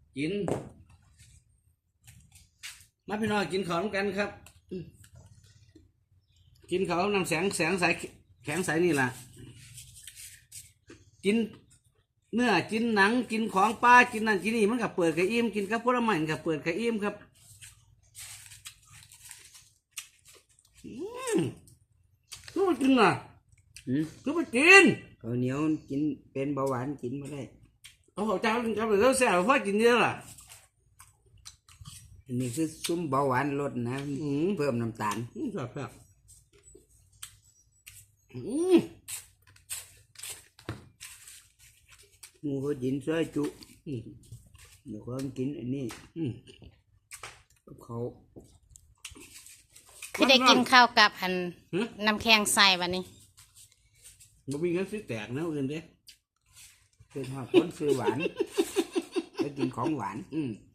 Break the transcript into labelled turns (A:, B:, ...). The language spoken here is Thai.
A: กินมาพี่น้องกินของกันครับกินเขานำแสงใสแข็งใสนี่แหละกินเนื้อกินหนังกินของปลากินนั่นกินนี่มันกับเปิดกระอิ่มกินกับผลไม้กับเปิดกระอิ่มครับก็มากินอ่ะก็มากิน
B: ข้าวเหนียวกินเป็นเบาหวานกินไม่ได้
A: โอ้โหเจ้ากินกับเรื่องแซ่บพ่อกินเยอะล่ะ
B: อันนี้คือซุ้มเบาหวานลดนะเพิ่มน้ำตาล
A: ครับ
B: หมูเขากินซอยจุเดี๋ยวเขากินอันนี้เขา
C: ที่ได้กินข้าวกับหันน้ำแข็งใส่วันนี้
A: บ่มีเงินซื้อแตกนะอื่นเด้
B: เป็นหอดคนซื้อหวานแล้วกินของหวาน